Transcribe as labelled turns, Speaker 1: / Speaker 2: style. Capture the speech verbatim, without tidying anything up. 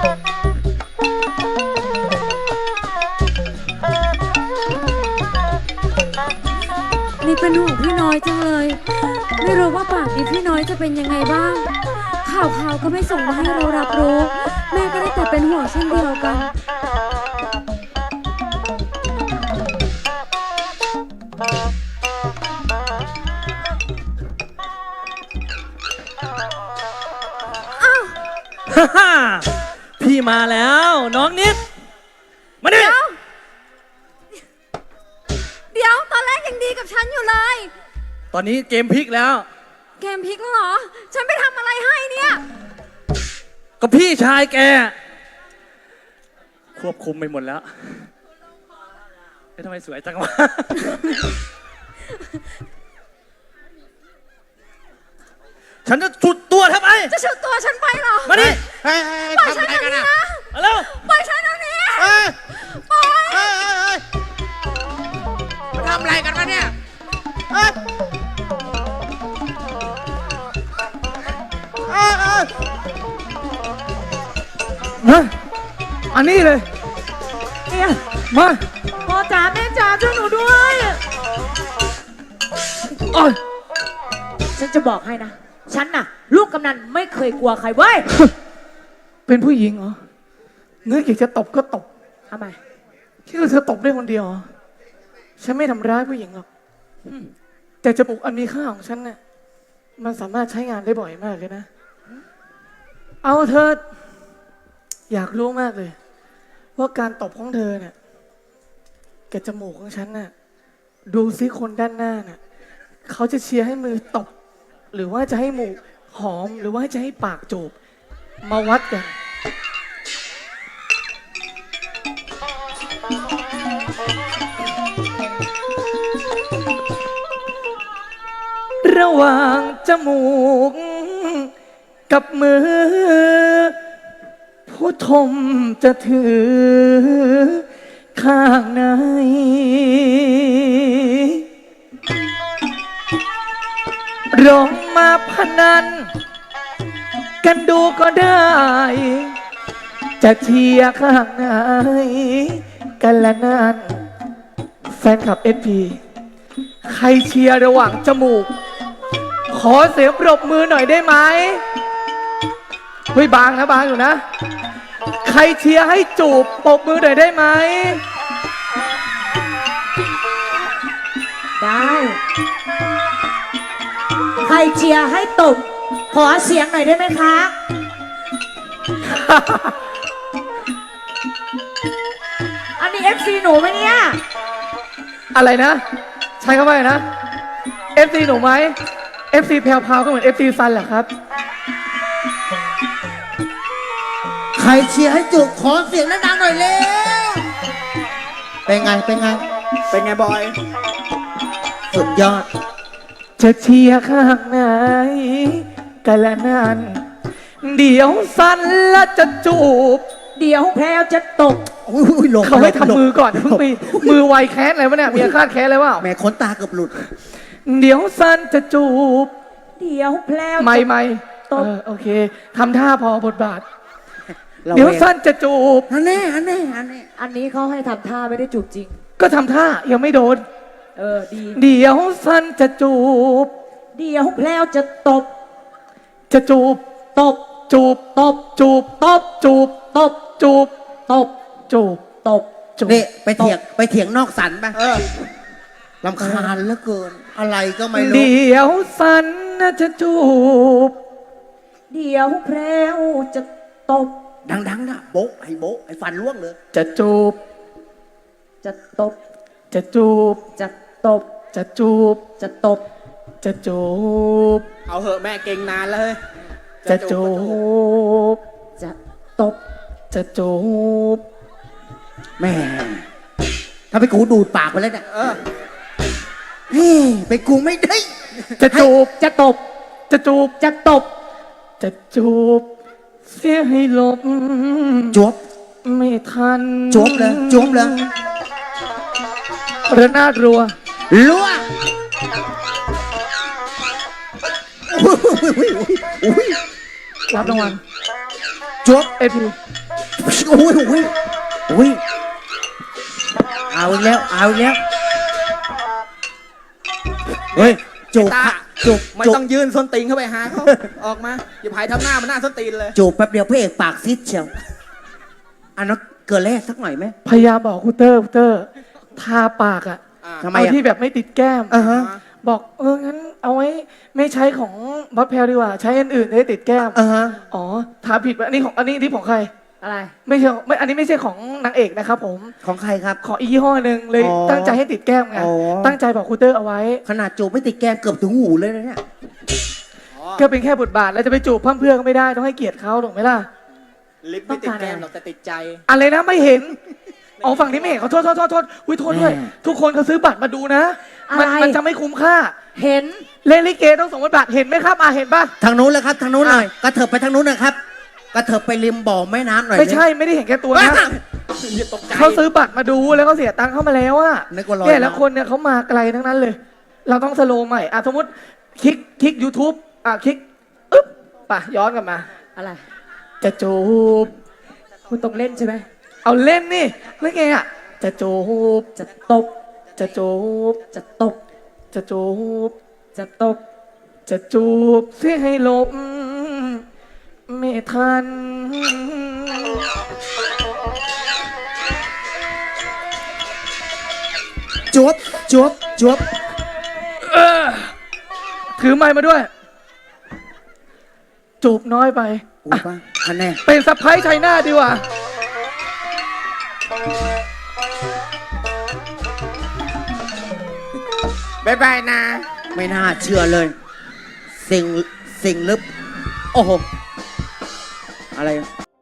Speaker 1: นี่เป็นห่วงพี่น้อยจังเลยไม่รู้ว่าปากนี้พี่น้อยจะเป็นยังไงบ้างข่าวข่าวก็ไม่ส่งมาให้เรารับรู้แม่ก็ได้แต่เป็นห่วงเช่นเดียวกัน
Speaker 2: ฮ่าพี่มาแล้วน้องนิดมาดิ
Speaker 1: เดี๋ยวเดี๋ยวตอนแรกยังดีกับฉันอยู่เลย
Speaker 2: ตอนนี้เกมพลิกแล้ว
Speaker 1: เกมพลิกแล้วเหรอฉันไปทำอะไรให้เนี่ย
Speaker 2: ก็พี่ชายแกควบคุมไปหมดแล้วเอ๊ะทำไมสวยจังวะ ฉันจะฉุดตัวทำไม
Speaker 1: จะฉุดตัวฉันไปเหรอ
Speaker 2: มาดิ
Speaker 3: เฮ้ย
Speaker 1: ปล่อยฉันเดี๋ยวนี้นะ
Speaker 2: มาเร็ว
Speaker 1: ปล่อยฉันเดี๋ยวนี้
Speaker 3: เฮ้ย
Speaker 1: ปล่อย
Speaker 3: เฮ้ยเฮ้ยมาทำอะไรกันวะเนี่ยเฮ้ยเฮ้ยเฮ้ย
Speaker 2: มาอันนี้เลยเนี่ยมา
Speaker 1: พ่อจ๋าแม่จ๋าช่วยหนูด้วย
Speaker 2: โอ้ย
Speaker 4: ฉันจะบอกให้นะฉันน่ะลูกกำนันไม่เคยกลัวใครเว้ย
Speaker 5: เป็นผู้หญิงเหรอเนื้ออยากจะตบก็ตบ
Speaker 4: ทำไม
Speaker 5: ที่เราเธอตบได้คนเดียวเหรอฉันไม่ทำร้ายผู้หญิงหรอกแต่จมูกอันมีค่าของฉันเนี่ยมันสามารถใช้งานได้บ่อยมากเลยนะเอาเธออยากรู้มากเลยว่าการตบของเธอเนี่ยกับจมูกของฉันน่ะดูซิคนด้านหน้าน่ะเขาจะเชียร์ให้มือตบหรือว่าจะให้หมูหอมหรือว่าจะให้ปากจูบมาวัดกันระหว่างจมูกกับมือผู้ทมจะถือข้างในลองมาพนันกันดูก็ได้จะเชียร์ข้างไหนกันละนั่นแฟนคลับเอสพีใครเชียร์ระหว่างจมูกขอเสียงปรบมือหน่อยได้ไหมเฮ้ยบางนะบางอยู่นะใครเชียร์ให้จูบปรบมือหน่อยได้ไหม
Speaker 4: ได้ใครเชียร์ให้ตบขอเสียงหน่อยได้ไหมคะอันนี้เอฟซีหนูไหมเนี่ย
Speaker 5: อะไรนะใช้คำว่าไงนะเอฟซีหนูไหมเอฟซีแพลวพาวก็เหมือนเอฟซีซันแหละครับ
Speaker 3: ใครเชียร์ให้จุกขอเสียงดังๆหน่อยเร็วเป็นไงเป็นไงเป็นไงบอยสุดยอด
Speaker 5: จะเชียร์ข้างไหนกันละนั่นเดี๋ยวสันละจะจูบ
Speaker 4: เดี๋ยวแพรวจะตบ
Speaker 5: เขาให้ทำมือก่อนเพิ่งมีมือไวแค้นอะไรวะเนี่ยมีอาฆาตแค้นอะไรวะ
Speaker 3: แม่ขนตาเกือบหลุด
Speaker 5: เดี๋ยวสันจะจูบ
Speaker 4: เดี๋ยวแพรว
Speaker 5: ไม่ไม่เออโอเคทำท่าพอบทบาทเดี๋ยวสันจะจูบ
Speaker 3: อันนี้อันนี้อันนี้
Speaker 4: อันนี้เขาให้ทำท่าไม่ได้จูบจริง
Speaker 5: ก็ทำท่ายังไม่โดน
Speaker 4: เออดี
Speaker 5: เดี๋ยวสันจะจูบ
Speaker 4: เดี๋ยวแพรวจะตบ
Speaker 5: จะจูบ
Speaker 4: ตบ
Speaker 5: จูบ
Speaker 4: ตบ
Speaker 5: จูบ
Speaker 4: ตบ
Speaker 5: จูบ
Speaker 4: ตบ
Speaker 5: จูบ
Speaker 4: ตบ
Speaker 5: จูบ
Speaker 4: ตบ
Speaker 5: จูบ
Speaker 3: นี่ไปเถียงไปเถียงนอกสันไปลำคาญเหลือเกินอะไรก็ไม่รู้
Speaker 5: เดี๋ยวสันจะจูบ
Speaker 4: เดี๋ยวแพรวจะตบ
Speaker 3: ดังๆนะโบ๊ะไอ้โบ๊ะไอ้ฟันร่วงเลย
Speaker 5: จะจูบ
Speaker 4: จะตบ
Speaker 5: จะจูบ
Speaker 4: จะตบ
Speaker 5: จะจูบ
Speaker 4: จะตบ
Speaker 5: จะจูบ
Speaker 3: เอาเหอะแม่เก่งนานเลย
Speaker 5: จะจูบ
Speaker 4: จะตบ
Speaker 5: จะจูบ
Speaker 3: แม่ถ้าไปกูดูดปากไปแล้วเนี่ยเออเฮ้ยไปกูไม่ได้
Speaker 5: จะจูบ
Speaker 4: จะตบ
Speaker 5: จะจูบ
Speaker 4: จะตบ
Speaker 5: จะจูบเสียให้ลบ
Speaker 3: จวบ
Speaker 5: ไม่ทัน
Speaker 3: จวบเลยจวบเลย
Speaker 5: ระนาดรัว
Speaker 3: รัว
Speaker 5: รับรางวัล
Speaker 3: จวบ
Speaker 5: เอพี
Speaker 3: โอ้ยโอ้ยโอ้ยเอาอีกแล้วเอาอีกแล้วเฮ้ยจูบ
Speaker 2: ตา
Speaker 3: จูบ
Speaker 2: ไม่
Speaker 3: จูบ
Speaker 2: ต้องยืนส้นตีนเข้าไปหาเขา ออกมาอย่าพายทำหน้ามันหน้าส้นตีนเลย
Speaker 3: จูบแป๊บเดียวพระเอกปากซิดเชียวอันนั้นเกลือแร่สักหน่อยไหม
Speaker 5: พยายามบอกคูเตอร์คูเตอร์ทาปากอะ
Speaker 2: อ่า
Speaker 3: ทำไม
Speaker 5: เอา
Speaker 3: อะ
Speaker 5: ที่แบบไม่ติดแก้ม
Speaker 3: อ่าฮะ
Speaker 5: บอกเอองั้นเอาไว้ไม่ใช้ของบอสแพลดีกว่า ใช้อันอื่นได้ติดแก้ม
Speaker 3: อ่าฮะ
Speaker 5: อ๋อทาผิดไปอันนี้ของอันนี้ที่ของใคร
Speaker 4: อะไร
Speaker 5: ไม่ใช่ไม่อันนี้ไม่ใช่ของนางเอกนะครับผม
Speaker 3: ของใครครับ
Speaker 5: ขออีกยี่ห้อหนึ่งเลย
Speaker 3: อ๋อ
Speaker 5: ตั้งใจให้ติดแก้มไง
Speaker 3: อ๋อ
Speaker 5: ตั้งใจบอกคูเตอร์เอาไว้
Speaker 3: ขนาดจูบไม่ติดแก้มเกือบถึงหูเลยนะเนี่ย
Speaker 5: ก็เป็นแค่บทบาทแล้วจะไปจูบเพื่อนๆก็ไม่ได้ต้องให้เกียรติเขาถูกไหมล่ะ
Speaker 2: ลิปไม่ติดแก้มหรอกแต่ติดใจ
Speaker 5: อะไรนะไม่เห็นอ๋อฝั่งนี้ไม่เห็นเขาโทษโทษโทษโทษอุ้ยโทษด้วย
Speaker 3: แม่
Speaker 5: ทุกคนเขาซื้อบัตรมาดูนะ มัน
Speaker 4: อะไร
Speaker 5: มันจะไม่คุ้มค่า
Speaker 4: เห็น
Speaker 5: เล่นลิเกต้องสมมติบัตรเห็นไหมครับอ่ะเห็นปะ
Speaker 3: ทางนู้นเลยครับทางนู้นหน่อยกระเถิบไปทางนู้นนะครับกระเถิบไปริมบ่อแม่น้ำหน่อย
Speaker 5: ไม่ใช่ไม่ได้เห็นแก่ตัวนะ
Speaker 2: อย่าตกใจ
Speaker 5: เขาซื้อบัตรมาดูแล้วเขาเสียตังค์เข้ามาแล้วอะ
Speaker 3: นึกว่าลอย
Speaker 5: เนี่ยแล้ว
Speaker 3: น้ำ
Speaker 5: คนเนี่ยเขามาไกลทั้งนั้นเลย เราต้องสโลว์ใหม่อ่ะสมมติคลิกคลิก YouTube อ่ะคลิกอึ๊บป่ะย้อนกลับมา
Speaker 4: อะไร
Speaker 5: จะจูบ
Speaker 4: คุณต้องเล่นใช่ไหม
Speaker 5: เอาเล่นนี่เล่นไงอ่ะจะจูบ
Speaker 4: จะตบ
Speaker 5: จะจูบ
Speaker 4: จะตบ
Speaker 5: จะจูบ
Speaker 4: จะตบ
Speaker 5: จะจูบเสียให้หลบไม่ทัน
Speaker 3: จวบจวบจวบ
Speaker 5: ถือไม้มาด้วย จูบน้อยไป
Speaker 3: อุ้ยป่ะอันแน่
Speaker 5: เป็นสะพ้ายไชน่าดีกว่า
Speaker 2: บ๊ายบายนะ
Speaker 3: ไม่น่าเชื่อเลย สิ่งสิ่งลึก โอ้โห อะไร